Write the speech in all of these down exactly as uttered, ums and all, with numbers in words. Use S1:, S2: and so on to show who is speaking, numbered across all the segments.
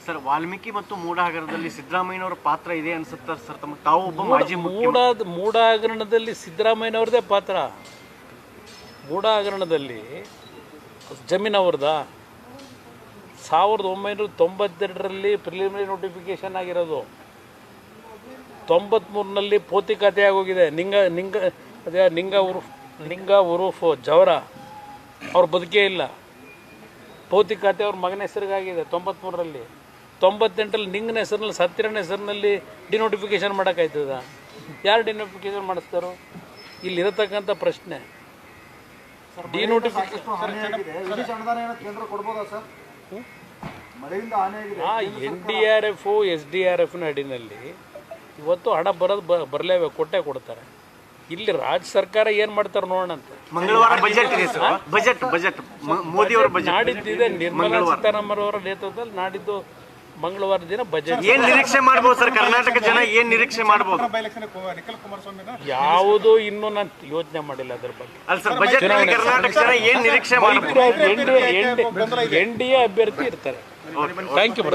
S1: Sir, Valmiki ಮತ್ತು ಮೂಡ ಹಗರಣದಲ್ಲಿ ಸಿದ್ದರಾಮಯ್ಯನವರ ಪಾತ್ರ ಇದೆ ಅನ್ಸುತ್ತಾ ಸರ್? ತಮ್ಮ ತಾವು ಒಬ್ಬ ಮಾಜಿ
S2: ಮೂಡ ಮೂಡ ಹಗರಣದಲ್ಲಿ ಸಿದ್ದರಾಮಯ್ಯನವ್ರದೇ ಪಾತ್ರ. ಮೂಡ ಹಗರಣದಲ್ಲಿ ಜಮೀನು ಅವ್ರದ ಸಾವಿರದ ಒಂಬೈನೂರ ತೊಂಬತ್ತೆರಡರಲ್ಲಿ ಪ್ರಿಲಿಮಿನರಿ ನೋಟಿಫಿಕೇಶನ್ ಆಗಿರೋದು. ತೊಂಬತ್ಮೂರಿನಲ್ಲಿ ಪೋತಿ ಖಾತೆ ಆಗೋಗಿದೆ. ನಿಂಗ ನಿಂಗ ಅದೇ ನಿಂಗ ಉರುಫ್ ನಿಂಗ ಉರುಫ್ ಜವರ ಅವ್ರ ಬದುಕೇ ಇಲ್ಲ. ಪೋತಿ ಖಾತೆ ಅವ್ರ ಮಗನ ಹೆಸರಿಗಾಗಿದೆ ತೊಂಬತ್ಮೂರರಲ್ಲಿ. ತೊಂಬತ್ತೆಂಟರಲ್ಲಿ ನಿಂಗನ ಹೆಸರಿನಲ್ಲಿ ಸತ್ತಿರನ ಹೆಸರಿನಲ್ಲಿ ಡಿನೋಟಿಫಿಕೇಶನ್ ಮಾಡೋಕ್ಕಾಯ್ತದ? ಯಾರು ಡಿನೋಟಿಫಿಕೇಶನ್ ಮಾಡಿಸ್ತಾರೋ? ಇಲ್ಲಿರತಕ್ಕಂಥ ಪ್ರಶ್ನೆ denotification. N D R F S D R ಎಫ್ನ ಅಡಿನಲ್ಲಿ ಇವತ್ತು ಹಣ ಬರೋದು ಬ ಬರಲೇಬೇಕು, ಕೊಟ್ಟೆ ಕೊಡ್ತಾರೆ. ಇಲ್ಲಿ ರಾಜ್ಯ ಸರ್ಕಾರ ಏನು ಮಾಡ್ತಾರೆ ನೋಡೋಣ ಅಂತ.
S1: ಮಂಗಳವಾರ ಬಜೆಟ್ ಇದೆ ಸರ್. ಬಜೆಟ್ ಬಜೆಟ್ ಮೋದಿ ಅವರ ಬಜೆಟ್
S2: ನಾಡಿದ್ದಿದೆ. ನಿರ್ಮಲಾ ಸೀತಾರಾಮನ್ ಅವರ ನೇತೃತ್ವದಲ್ಲಿ ನಾಡಿದ್ದು ಮಂಗಳವಾರ ದಿನ ಬಜೆಟ್.
S1: ಏನ್ ನಿರೀಕ್ಷೆ ಮಾಡಬಹುದು ಸರ್? ಕರ್ನಾಟಕ ಜನ ಏನ್ ನಿರೀಕ್ಷೆ ಮಾಡಬಹುದು?
S2: ಯಾವುದೂ ಇನ್ನೂ ನಾನು ಯೋಚನೆ ಮಾಡಿಲ್ಲ ಅದ್ರ ಬಗ್ಗೆ.
S1: ಅಲ್ಲ ಸರ್, ಬಜೆಟ್ ಕರ್ನಾಟಕ ಜನ ಏನ್ ನಿರೀಕ್ಷೆ ಮಾಡಬಹುದು?
S2: ಎನ್ ಡಿ ಎ ಅಭ್ಯರ್ಥಿ ಇರ್ತಾರೆ. ಥ್ಯಾಂಕ್ ಯು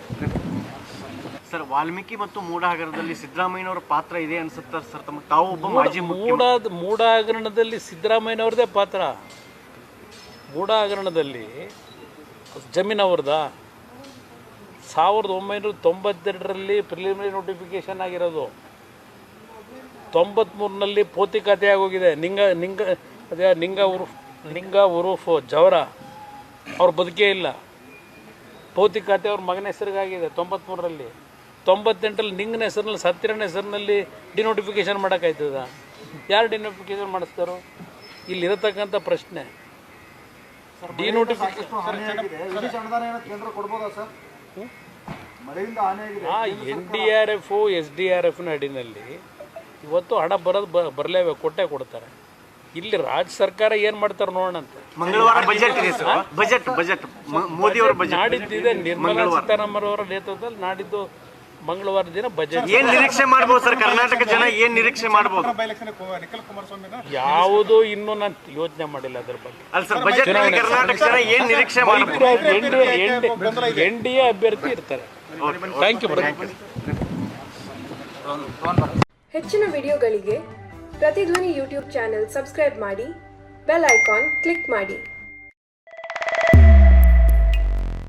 S1: ಸರ್, ವಾಲ್ಮೀಕಿ ಮತ್ತು ಮೂಡ ಹಗರಣದಲ್ಲಿ ಸಿದ್ದರಾಮಯ್ಯನವರ ಪಾತ್ರ ಇದೆ ಅನ್ಸುತ್ತಾ ಸರ್? ತಮ್ಮ ತಾವು ಒಬ್ಬ ಮಾಜಿ
S2: ಮೂಡ ಮೂಡ ಹಗರಣದಲ್ಲಿ ಸಿದ್ದರಾಮಯ್ಯನವ್ರದೇ ಪಾತ್ರ. ಮೂಡ ಹಗರಣದಲ್ಲಿ ಜಮೀನು ಅವ್ರದ ಸಾವಿರದ ಒಂಬೈನೂರ ತೊಂಬತ್ತೆರಡರಲ್ಲಿ ಪ್ರಿಲಿಮಿನರಿ ನೋಟಿಫಿಕೇಶನ್ ಆಗಿರೋದು. ತೊಂಬತ್ಮೂರಿನಲ್ಲಿ ಪೋತಿ ಖಾತೆ ಆಗೋಗಿದೆ. ನಿಂಗ ನಿಂಗ ಅದೇ ನಿಂಗ ಉರುಫ್ ನಿಂಗ ಉರುಫ್ ಜವರ ಅವ್ರ ಬದುಕೇ ಇಲ್ಲ. ಪೋತಿ ಖಾತೆ ಅವ್ರ ಮಗನ ಹೆಸರಿಗಾಗಿದೆ ತೊಂಬತ್ಮೂರರಲ್ಲಿ. ತೊಂಬತ್ತೆಂಟರಲ್ಲಿ ನಿಂಗನ ಹೆಸರಿನಲ್ಲಿ ಸತ್ತಿರನ ಹೆಸರಿನಲ್ಲಿ ಡಿನೋಟಿಫಿಕೇಶನ್ ಮಾಡೋಕ್ಕಾಯ್ತದ? ಯಾರು ಡಿನೋಟಿಫಿಕೇಶನ್ ಮಾಡಿಸ್ತಾರೋ? ಇಲ್ಲಿರತಕ್ಕಂಥ ಪ್ರಶ್ನೆ denotification. N D R F S D R ಎಫ್ನ ಅಡಿನಲ್ಲಿ ಇವತ್ತು ಹಣ ಬರೋದು ಬ ಬರಲೇಬೇಕು, ಕೊಟ್ಟೆ ಕೊಡ್ತಾರೆ. ಇಲ್ಲಿ ರಾಜ್ಯ ಸರ್ಕಾರ ಏನು ಮಾಡ್ತಾರೆ ನೋಡೋಣ ಅಂತ.
S1: ಮಂಗಳವಾರ ಬಜೆಟ್ ಇದೆ ಸರ್. ಬಜೆಟ್ ಬಜೆಟ್ ಮೋದಿ ಅವರ ಬಜೆಟ್
S2: ನಾಡಿದ್ದಿದೆ. ನಿರ್ಮಲಾ ಸೀತಾರಾಮನ್ ಅವರ ನೇತೃತ್ವದಲ್ಲಿ ನಾಡಿದ್ದು ಮಂಗಳವಾರ ದಿನ ಬಜೆಟ್.
S1: ಏನ್ ನಿರೀಕ್ಷೆ ಮಾಡಬಹುದು ಸರ್? ಕರ್ನಾಟಕ ಜನ ಏನ್ ನಿರೀಕ್ಷೆ ಮಾಡಬಹುದು?
S2: ಯಾವುದೂ ಇನ್ನೂ ನಾನು ಯೋಚನೆ ಮಾಡಿಲ್ಲ ಅದ್ರ ಬಗ್ಗೆ.
S1: ಅಲ್ಲ ಸರ್, ಬಜೆಟ್ ಕರ್ನಾಟಕ ಜನ ಏನ್ ನಿರೀಕ್ಷೆ ಮಾಡಬಹುದು?
S2: ಎನ್ ಡಿ ಎ ಅಭ್ಯರ್ಥಿ ಇರ್ತಾರೆ. Thank you.
S3: ಹೆಚ್ಚಿನ ವಿಡಿಯೋಗಳಿಗೆ ಪ್ರತಿಧ್ವನಿ ಯೂಟ್ಯೂಬ್ ಚಾನೆಲ್ ಸಬ್ಸ್ಕ್ರೈಬ್ ಮಾಡಿ, ಬೆಲ್ ಐಕಾನ್ ಕ್ಲಿಕ್ ಮಾಡಿ.